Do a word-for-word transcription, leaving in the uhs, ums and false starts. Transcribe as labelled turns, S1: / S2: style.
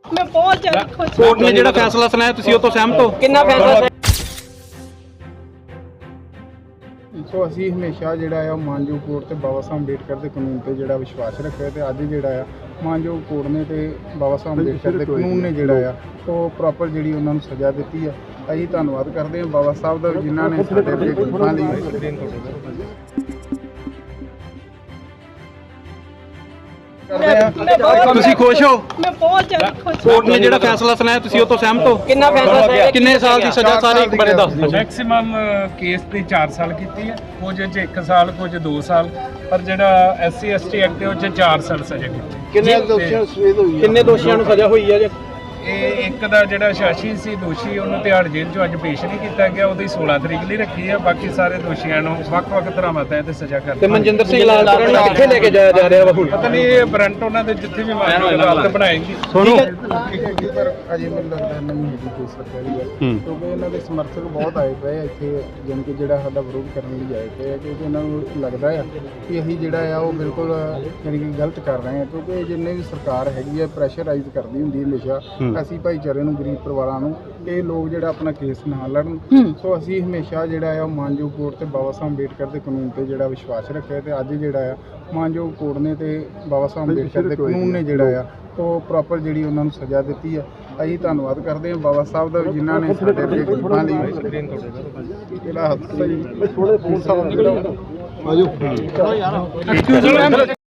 S1: मैं बहुत ज्यादा खुश हूं।
S2: कोर्ट ने ਜਿਹੜਾ ਫੈਸਲਾ ਸੁਣਾਇਆ ਤੁਸੀਂ ਉਹ ਤੋਂ ਸਹਿਮਤ ਹੋ?
S3: ਕਿੰਨਾ ਫੈਸਲਾ
S4: ਸੋ ਅਸੀਂ ਹਮੇਸ਼ਾ ਜਿਹੜਾ ਆ ਮਾਨਯੋਗ ਕੋਰਟ ਤੇ ਬਾਬਾ ਸਾਹਿਬ ਅੰਬੇਡਕਰ ਦੇ ਕਾਨੂੰਨ ਤੇ ਜਿਹੜਾ ਵਿਸ਼ਵਾਸ ਰੱਖਿਆ ਤੇ ਅੱਜ ਜਿਹੜਾ ਆ ਮਾਨਯੋਗ ਕੋਰਟ ਨੇ ਤੇ ਬਾਬਾ ਸਾਹਿਬ ਅੰਬੇਡਕਰ ਦੇ ਕਾਨੂੰਨ ਨੇ ਜਿਹੜਾ ਆ ਉਹ ਪ੍ਰੋਪਰ ਜਿਹੜੀ ਉਹਨਾਂ ਨੂੰ ਸਜ਼ਾ ਦਿੱਤੀ ਆ। ਅਸੀਂ ਧੰਨਵਾਦ ਕਰਦੇ ਹਾਂ ਬਾਬਾ ਸਾਹਿਬ ਦਾ ਜਿਨ੍ਹਾਂ ਨੇ ਸਾਡੇ ਅੱਗੇ ਗਰੀਬਾਂ ਲਈ
S2: ਤੁਸੀਂ ਖੁਸ਼ ਹੋ?
S1: मैं बहुत ज्यादा खुश हूं।
S2: ਕੋਰਟ ਨੇ ਜਿਹੜਾ ਫੈਸਲਾ ਸੁਣਾਇਆ ਤੁਸੀਂ ਉਹ ਤੋਂ ਸਹਿਮਤ ਹੋ?
S3: ਕਿੰਨਾ ਫੈਸਲਾ ਸੁਣਾਇਆ?
S2: ਕਿੰਨੇ ਸਾਲ ਦੀ ਸਜ਼ਾ ਸਾਰੇ ਇੱਕ ਬਾਰੇ ਦੱਸ ਦਿਓ।
S5: ਮੈਕਸਿਮਮ ਕੇਸ ਤੇ ਚਾਰ ਸਾਲ ਕੀਤੀ ਹੈ, ਕੁਝ ਚ ਇੱਕ ਸਾਲ, ਕੁਝ ਦੋ ਸਾਲ, ਪਰ ਜਿਹੜਾ S C S T act ਉਹ ਚ ਚਾਰ ਸਾਲ ਸਜ਼ਾ ਕੀਤੀ।
S4: ਕਿੰਨੇ ਦੋਸ਼ੀਆਂ ਸਵੇਦ ਹੋਈ
S2: ਕਿੰਨੇ ਦੋਸ਼ੀਆਂ ਨੂੰ ਸਜ਼ਾ ਹੋਈ ਹੈ ਜੀ?
S5: ਇਹ ਇੱਕ ਦਾ ਜਿਹੜਾ ਸ਼ਾਸ਼ੀ ਸੀ ਦੋਸ਼ੀ, ਉਹਨੂੰ ਤਿਹਾੜ ਜੇਲ੍ਹ ਚੋਂ ਅੱਜ ਪੇਸ਼ ਨਹੀਂ ਕੀਤਾ ਗਿਆ, ਉਹਦੀ ਸੋਲਾਂ ਤਰੀਕ ਲਈ ਰੱਖੀ ਹੈ। ਬਾਕੀ ਸਾਰੇ ਦੋਸ਼ੀਆਂ ਨੂੰ ਵੱਖ-ਵੱਖ ਧਾਰਾਵਾਂ ਤਹਿਤ ਸਜ਼ਾ ਕਰ
S2: ਤੇ ਮਨਜਿੰਦਰ ਸਿੰਘ ਲਾਲਪੁਰਾ ਨੂੰ ਕਿੱਥੇ ਲੈ ਕੇ ਜਾਇਆ ਜਾ ਰਿਹਾ ਵਾ ਹੁਣ?
S5: ਪਤਾ ਨਹੀਂ ਇਹ ਬਰੰਟ ਉਹਨਾਂ ਦੇ ਜਿੱਥੇ ਵੀ ਮਾਨਯੋਗ ਅਦਾਲਤ ਬਣਾਏਗੀ।
S2: ਸੁਣੋ
S4: ਪਰ ਅਜੇ ਮੈਨੂੰ ਲੱਗਦਾ ਨਹੀਂ ਹੈਗੀ ਕੋਈ ਸਰਕਾਰੀ ਗੱਲ, ਕਿਉਂਕਿ ਇਹਨਾਂ ਦੇ ਸਮਰਥਕ ਬਹੁਤ ਆਏ ਪਏ ਆ ਇੱਥੇ, ਜਾਣੀ ਕਿ ਜਿਹੜਾ ਸਾਡਾ ਵਿਰੋਧ ਕਰਨ ਲਈ ਆਏ ਪਏ ਆ, ਕਿਉਂਕਿ ਇਹਨਾਂ ਨੂੰ ਲੱਗਦਾ ਆ ਕਿ ਅਸੀਂ ਜਿਹੜਾ ਆ ਉਹ ਬਿਲਕੁਲ ਜਾਣੀ ਕਿ ਗਲਤ ਕਰ ਰਹੇ ਹਾਂ। ਕਿਉਂਕਿ ਜਿੰਨੇ ਵੀ ਸਰਕਾਰ ਹੈਗੀ ਆ ਪ੍ਰੈਸ਼ਰਾਈਜ਼ ਕਰਦੀ ਹੁੰਦੀ ਹਮੇਸ਼ਾ ਅਸੀਂ ਭਾਈਚਾਰੇ ਨੂੰ, ਗਰੀਬ ਪਰਿਵਾਰਾਂ ਨੂੰ, ਇਹ ਲੋਕ ਜਿਹੜਾ ਆਪਣਾ ਕੇਸ ਨਾ ਲੜਨ। ਸੋ ਅਸੀਂ ਹਮੇਸ਼ਾ ਜਿਹੜਾ ਆ ਮਾਨਯੋਗ ਕੋਰਟ ਤੇ ਬਾਬਾ ਸਾਹਿਬ ਅੰਬੇਡਕਰ ਦੇ ਕਾਨੂੰਨ ਤੇ ਜਿਹੜਾ ਵਿਸ਼ਵਾਸ ਰੱਖਿਆ ਤੇ ਅੱਜ ਜਿਹੜਾ ਆ ਮਾਨਯੋਗ ਕੋਰਟ ਨੇ ਤੇ ਬਾਬਾ ਸਾਹਿਬ ਅੰਬੇਡਕਰ ਦੇ ਕਾਨੂੰਨ ਨੇ ਜਿਹੜਾ ਆ ਉਹ ਪ੍ਰੋਪਰ ਜਿਹੜੀ ਉਹਨਾਂ ਨੂੰ ਸਜ਼ਾ ਦਿੱਤੀ ਆ। ਅਸੀਂ ਧੰਨਵਾਦ ਕਰਦੇ ਹਾਂ ਬਾਬਾ ਸਾਹਿਬ ਦਾ ਜਿਨ੍ਹਾਂ ਨੇ ਸਾਡੇ ਅੱਗੇ ਗਰੀਬਾਂ ਲਈ ਜਿਹੜਾ ਹੱਥ ਸਹੀ